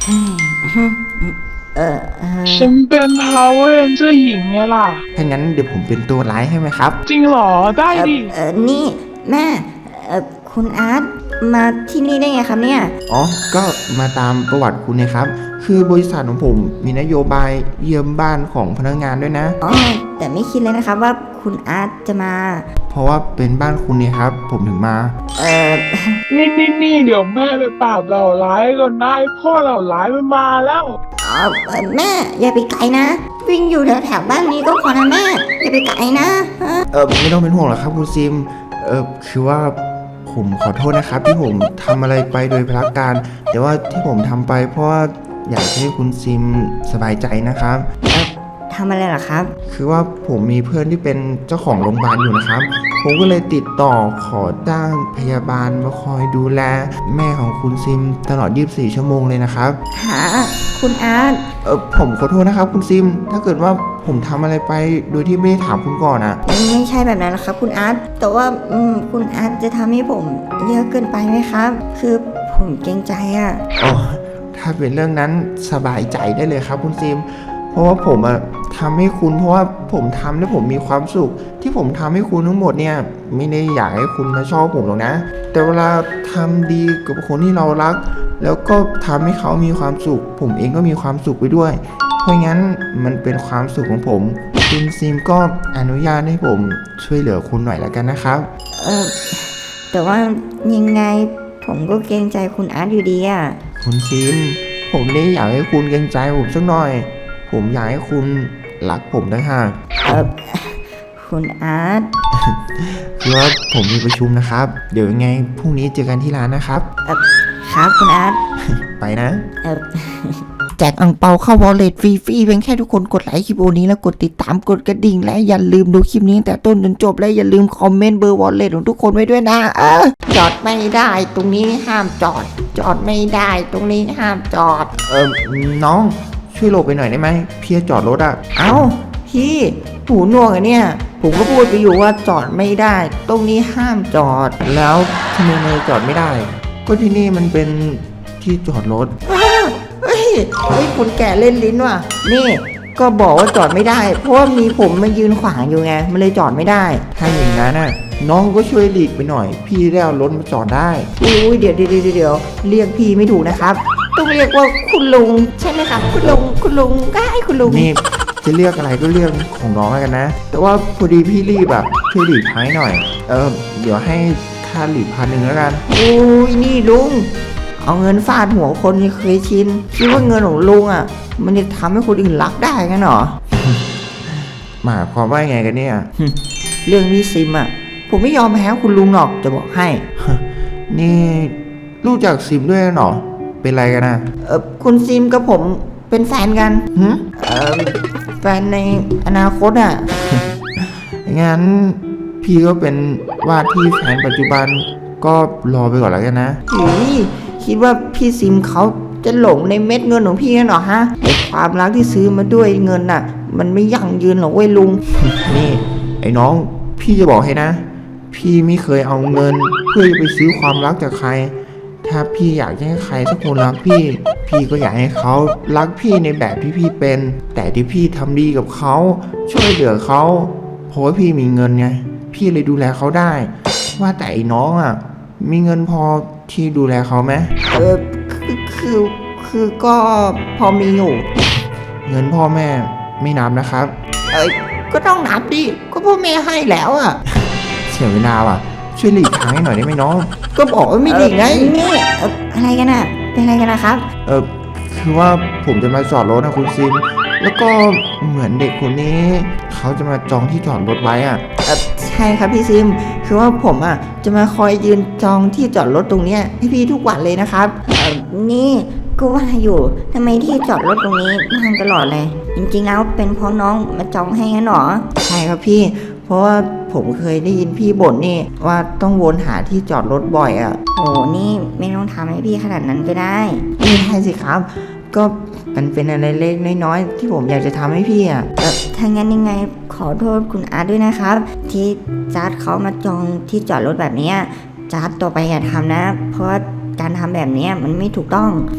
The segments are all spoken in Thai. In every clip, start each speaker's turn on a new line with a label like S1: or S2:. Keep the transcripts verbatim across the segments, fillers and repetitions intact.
S1: เออเออ
S2: ฉันเป็น Power Ranger หญิงไงล่ะ
S3: ถ้างั้นเดี๋ยวผมเป็นตัวร้ายให้ไหมครับ
S2: จริงเหรอได้
S1: เออ
S2: ดิ
S1: เออนี่แม่เออคุณอาร์ตมาที่นี่ได้ไงครับเนี่ย
S3: อ๋อก็มาตามประวัติคุณนะครับ คือบริษัทของผมมีนโยบายเยี่ยมบ้านของพนักงานด้วยนะ
S1: อ๋อแต่ไม่คิดเลยนะครับว่าคุณอาร์ตจะมา
S3: เพราะว่าเป็นบ้านคุณเนี่ยครับผมถึงมา
S1: เออ
S2: นี่นี่นี่เดี๋ยวแม่ไปปราบเหล่าร้ายก่อนได้พ่อเหล่าร้ายมันมาแล้ว
S1: อ๋อแม่อย่าไปไกลนะวิ่งอยู่แถวแถวบ้านนี้ก็พอนะแม่อย่าไปไกลนะ
S3: เออไม่ต้องเป็นห่วงหรอกครับคุณซิมเออคือว่าผมขอโทษนะครับที่ผมทำอะไรไปโดยพลการแต่ว่าที่ผมทำไปเพราะว่าอยากให้คุณซิมสบายใจนะครับ
S1: ทำอะไรเหรอครับ
S3: คือว่าผมมีเพื่อนที่เป็นเจ้าของโรงพยาบาลอยู่นะครับผมก็เลยติดต่อขอจ้างพยาบาลมาคอยดูแลแม่ของคุณซิมตลอดยี่สิบสี่ชั่วโมงเลยนะครับ
S1: หาคุณอาร์ต
S3: เออผมขอโทษนะครับคุณซิมถ้าเกิดว่าผมทำอะไรไปโดยที่ไม่ได้ถามคุณก่อนอะ
S1: ไม่ใช่แบบนั้นนะครับคุณอาร์ตแต่ว่าคุณอาร์ตจะทำให้ผมเยอะเกินไปไหมครับคือผมเกรงใจอะ
S3: อ๋อถ้าเป็นเรื่องนั้นสบายใจได้เลยครับคุณซิมเพราะว่าผมอะทำให้คุณเพราะว่าผมทำแล้วผมมีความสุขที่ผมทำให้คุณทั้งหมดเนี่ยไม่ได้อยากให้คุณมาชอบผมหรอกนะแต่เวลาทำดีกับคนที่เรารักแล้วก็ทำให้เขามีความสุขผมเองก็มีความสุขไปด้วยเพราะงั้นมันเป็นความสุขของผมคุณซิมก็อนุญาตให้ผมช่วยเหลือคุณหน่อยแล้วกันนะครับ
S1: เออแต่ว่ายังไงผมก็เกรงใจคุณอาร์ตอยู่ดีอะ
S3: คุณซิมผมไม่ได้อยากให้คุณเกรงใจผมสักหน่อยผมอยากให้คุณรักผมต่างหาก
S1: เออคุณอาร์ต
S3: คือว่าผมมีประชุมนะครับเดี๋ยวยังไงพรุ่งนี้เจอกันที่ร้านนะครับ
S1: เออครับคุณอาร์ต
S3: ไปนะ
S1: เออ
S4: แจกอังเปาเข้าวอลเล็ตฟรีๆเพียงแค่ทุกคนกดไลค์คลิปโอนี้แล้วกดติดตามกดกระดิ่งและอย่าลืมดูคลิปนี้แต่ต้นจนจบและอย่าลืมคอมเมนต์เบอร์วอลเล็ตของทุกคนไว้ด้วยนะเออจอดไม่ได้ตรงนี้ห้ามจอดจอดไม่ได้ตรงนี้ห้ามจอด
S3: เออน้องช่วยหลบไปหน่อยได้ไหมพี่จอดรถอะ
S4: เอ้าพี่หูหนวกอะเนี่ยผมก็พูดไปอยู่ว่าจอดไม่ได้ตรงนี้ห้ามจอด
S3: แล้วทำไมจอดไม่ได้ก็ที่นี่มันเป็นที่จอดรถ
S4: เฮ้ยเฮ้ยคนแก่เล่นลิ้นว่ะนี่ก็บอกว่าจอดไม่ได้เพราะว่ามีผมมายืนขวางอยู่ไงมันเลยจอดไม่ได้
S3: ถ้าอย่างนั้นน่ะน้องก็ช่วยหลีกไปหน่อยพี่ได้เอารถมาจอดได้
S4: อุ้ยเดี๋ยวเดี๋ยวเดี๋ยวเรียกพี่ไม่ถูกนะครับต้องเรียกว่าคุณลุงใช่ไหมครับคุณลุงคุณลุงก็ให้คุณลุง
S3: นี่จะเรียกอะไรก็เรียกของน้องแล้วกันนะแต่ว่าพอดีพี่รีบแบบช่วยหลีกท้ายหน่อยเออเดี๋ยวให้ค่าหลีกพันหนึ่งแล้วกัน
S4: อุ้ยนี่ลุงเอาเงินฟาดหัวคนที่เคยชินคิดว่าเงินของลุงอ่ะมันจะทำให้คนอื่นรักได้กันเหรอ
S3: หมายความว่าไงกันเนี่ย
S4: เรื่องนี้ซิมอ่ะผมไม่ยอมแพ้คุณลุงหรอกจะบอกให้
S3: นี่รู้จักซิมด้วยเหรอเป็นไรกันนะ
S4: เออคุณซิมกับผมเป็นแฟนกันเออแฟนในอนาคตอ่ะ
S3: งั้นพี่ก็เป็นว่าที่แฟนปัจจุบันก็รอไปก่อนแล้วกันนะ
S4: อีคิดว่าพี่ซิมเขาจะหลงในเม็ดเงินของพี่กันหรอฮะแต่ความรักที่ซื้อมาด้วยเงินน่ะมันไม่ยั่งยืนหรอกเว้ยลุง
S3: นี่ไอ้น้องพี่จะบอกให้นะพี่ไม่เคยเอาเงินเพื่อจะไปซื้อความรักจากใครถ้าพี่อยากให้ใครสักคนรักพี่พี่ก็อยากให้เขารักพี่ในแบบที่พี่เป็นแต่ที่พี่ทำดีกับเขาช่วยเหลือเขาเพราะว่าพี่มีเงินไงพี่เลยดูแลเขาได้ว่าแต่ไอ้น้องอ่ะมีเงินพอที่ดูแลเขาไหม
S4: เออคือคือคือก็พอมีอยู่
S3: เงินพ่อแม่ไม่นับนะครับ
S4: เอ้ยก็ต้องนับดิก็พ่อแม่ให้แล้วอ่ะ
S3: เสียเวลาว่ะช่วยหลีกทางให้หน่อยได้ไหมน้อง
S4: ก็บอกว่าไม่หลีกไง
S1: นี่อะไรกันอ่ะเป็นอะไรกันนะครับ
S3: เออคือว่าผมจะมาจอดรถนะคุณซิมแล้วก็เหมือนเด็กคนนี้เขาจะมาจองที่จอดรถไว้อ่ะ
S4: เออใช่ครับพี่ซิมคือว่าผมอ่ะจะมาคอยยืนจองที่จอดรถตรงเนี้ยให้พี่ทุกวันเลยนะครับ
S1: เออนี่ก็ว่าอยู่ทำไมที่จอดรถตรงนี้ว่างตลอดเลยจริงๆแล้วเป็นเพราะน้องมาจองให้งั้นหรอ
S4: ใช่ครับพี่เพราะว่าผมเคยได้ยินพี่บ่นนี่ว่าต้องวนหาที่จอดรถบ่อยอ่ะ
S1: โอ้นี่ไม่ต้องทำให้พี่ขนาดนั้นก็ได้
S4: ไม่ได้สิครับก็มันเป็นอะไรเล็กน้อยๆที่ผมอยากจะทำให้พี่อ่ะ
S1: เออถ้างั้นยังไงขอโทษคุณอาร์ตด้วยนะครับที่จัดเขามาจองที่จอดรถแบบนี้จัดต่อไปอย่าทำนะเพราะการทำแบบนี้มันไม่ถูกต้อง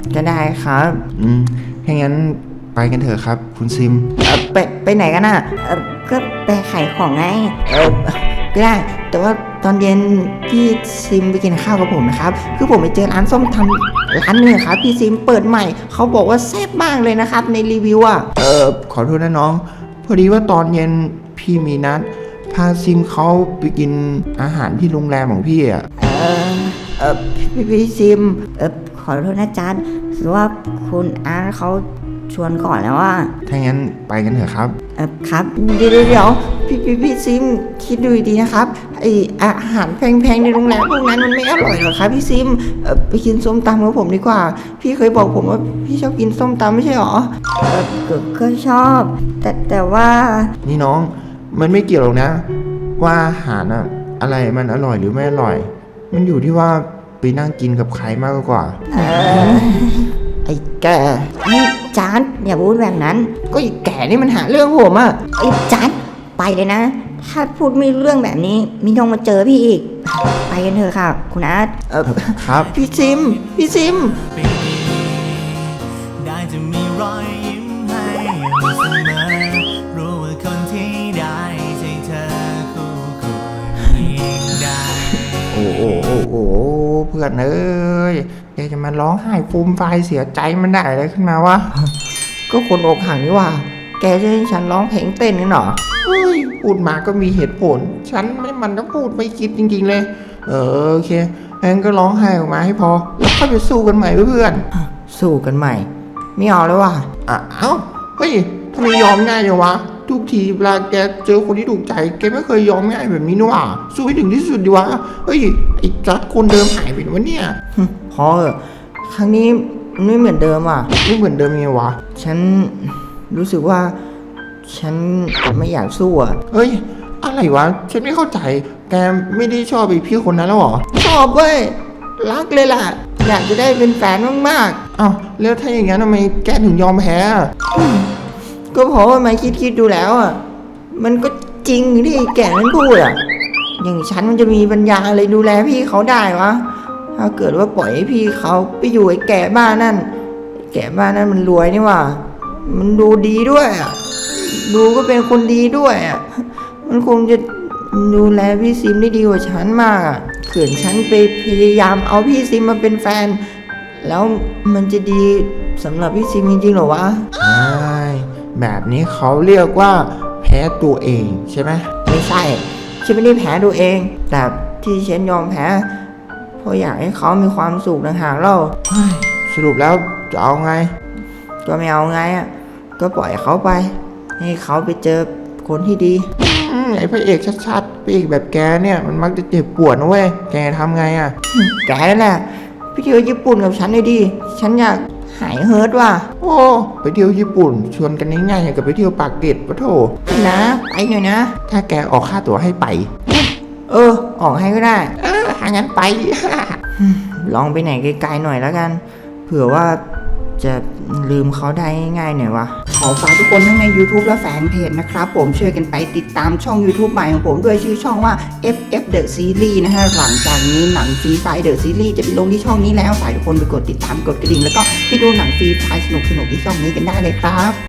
S1: ก็ได้ครับ
S3: อืมถ้างั้นไปกันเถอะครับ คุณซิม
S1: เออไปไปไหนกันอ่ะเออก็ไปขายของไงเออก็ได้แต่ว่าตอนเย็นพี่ซิมไปกินข้าวกับผมนะครับคือผมไปเจอร้านส้มตำร้านหนึงครับพี่ซิมเปิดใหม่เขาบอกว่าแซ่บมากเลยนะครับในรีวิวอ่ะ
S3: เออขอโทษนะน้อง พอดีว่าตอนเย็นพี่มีนัดพาซิมเขาไปกินอาหารที่โรงแรมของพี่อ่ะ
S1: เออเออพี่พี่ซิมเออขอโทษนะจ๊ะคือว่าคุณอาร์ตเขาชวนก่อนแล้วว่า
S3: ถ้างั้นไปกันเถอะครับ
S1: เออครับเดี๋ยวเดี๋ยวเดี๋ยวพี่พี่พี่ซิมคิดดูดีๆนะครับไออาหารแพงๆในโรงแรมพวกนั้นมันไม่อร่อยหรอกครับพี่ซิมเออไปกินส้มตำกับผมดีกว่า พี่เคยบอกผมว่าพี่ชอบกินส้มตำไม่ใช่หรอเออก็ก็ชอบ แต่แต่ว่า
S3: นี่น้องมันไม่เกี่ยวหรอกนะ ว่าอาหารอะอะไรมันอร่อยหรือไม่อร่อย มันอยู่ที่ว่าไปนั่งกินกับใครมากกว่า
S1: เออไอ้แกนี่จานอย่าพูดแบบนั้น
S4: ก็ไอ้แก่นี่มันหาเรื่องผมอะ
S1: ไอ้จัดไปเลยนะ ถ้าพูดไม่รู้เรื่องแบบนี้ไมีต้องมาเจอพี่อีก ไปกันเถอะค่ะ คุณอาร์ต
S4: เออ
S3: ครับ
S4: พี่ซิม พี่ซิม
S5: ได้จะมีรอยยิ้มให้อยู่เสมอรู้ว่าคนที่ได้ใช่เธอคู่ควรยิ่งได้
S3: โอ้โอ้โอ้โอ้เพื่อนเอ้ยแกจะมาร้องไห้ฟูมไฟายเสียใจมันได้อะไรขึ้นมาวะ
S4: ก็คนอกหักนี่หว่า แกจะให้ฉันร้องเพลงเต้นกันเหรอ
S3: เฮ้ยพูดมาก็มีเหตุผล ฉันไม่มันต้องพูดไม่คิดจริงๆเลย เออโอเคงั้นก็ร้องไห้ออกมาให้พอ แล้วค่อยไปสู้กันใหม่เพื่อน
S4: สู้กันใหม่ ไม่เอาแล้วว่ะ
S3: อ่ะเอ้าเฮ้ยทำไมยอมง่ายจังวะ ทุกทีเวลาแกเจอคนที่ถูกใจแกไม่เคยยอมง่ายแบบนี้นี่หว่าสู้ให้ถึงที่สุดดีวะเฮ้ยไอ้จัดคนเดิมหายไปไหนวะเนี่ย
S4: พอเถอะครั้งนี้มันไม่เหมือนเดิมอ่ะ
S3: ไม่เหมือนเดิมยังไงวะ
S4: ฉันรู้สึกว่า ฉันไม่อยากสู้อ่ะ
S3: เฮ้ยอะไรวะฉันไม่เข้าใจ แกไม่ได้ชอบไอ้พี่คนนั้นแล้วเหรอ
S4: ชอบเว้ย รักเลยล่ะ อยากจะได้เป็นแฟนมาก
S3: อ้าวแล้วถ้าอย่างนั้นทำไมแกถึงยอมแพ้อะ
S4: ๆ ก็เพราะว่ามาคิดคิดๆดูแล้วอ่ะ มันก็จริงที่แก่นั้นพูดอ่ะ อย่างฉันมันจะมีปัญญาอะไรดูแลพี่เขาได้วะ ถ้าเกิดว่าปล่อยให้พี่เขาไปอยู่ไอ้แก่บ้านนั่น แก่บ้านนั่นมันรวยนี่หว่า มันดูดีด้วยอ่ะ ดูก็เป็นคนดีด้วยอ่ะ มันคงจะดูแลพี่ซิมได้ดีกว่าฉันมากอ่ะเขื่อนฉันไปพยายามเอาพี่ซิมมาเป็นแฟน แล้วมันจะดีสำหรับพี่ซิมจริงๆเหรอวะ
S3: ใช่แบบนี้เขาเรียกว่าแพ้ตัวเองใช่ไหม
S4: ไม่ใช่ ฉันไม่ได้แพ้ตัวเอง แต่ที่ฉันยอมแพ้เพราะอยากให้เขามีความสุขต่างหากเล่า
S3: สรุปแล้วจะเอาไง
S4: ก็ไม่เอาไงอ่ะ ก็ปล่อยเขาไป ให้เขาไปเจอคนที่ดี
S3: อืมไอ้พระเอกชัดๆพระเอกแบบแกเนี่ยมันมักจะเจ็บปวดนะเว้ยแกทำไงอ่ะ
S4: แกนั่นแหละไปเที่ยวญี่ปุ่นกับฉันเลยดิ ฉันอยากหายเฮิร์ตว่ะ
S3: โอ้ไปเที่ยวญี่ปุ่น ชวนกันง่ายๆอย่างกับไปเที่ยวปากเกร็ดปะโถ
S4: นะไปหน่อยนะ
S3: ถ้าแกออกค่าตั๋วให้ไป
S4: เออ ออกให้ก็ได้
S3: เออหางั้นไป
S4: ลองไปไหนไกลๆหน่อยแล้วกัน เผื่อว่าจะลืมเขาได้ง่ายๆหน่อยวะ ขอฝากทุกคนทั้งใน YouTube และแฟนเพจนะครับผมช่วยกันไปติดตามช่อง YouTube ใหม่ของผมด้วยชื่อช่องว่า เอฟ เอฟ The Series นะฮะ หลังจากนี้หนังฟรีไฟ The Series จะไปลงที่ช่องนี้แล้วฝากทุกคนไปกดติดตามกดกระดิ่งแล้วก็ไปดูหนังฟรีไฟสนุกๆที่ช่องนี้กันได้เลยครับ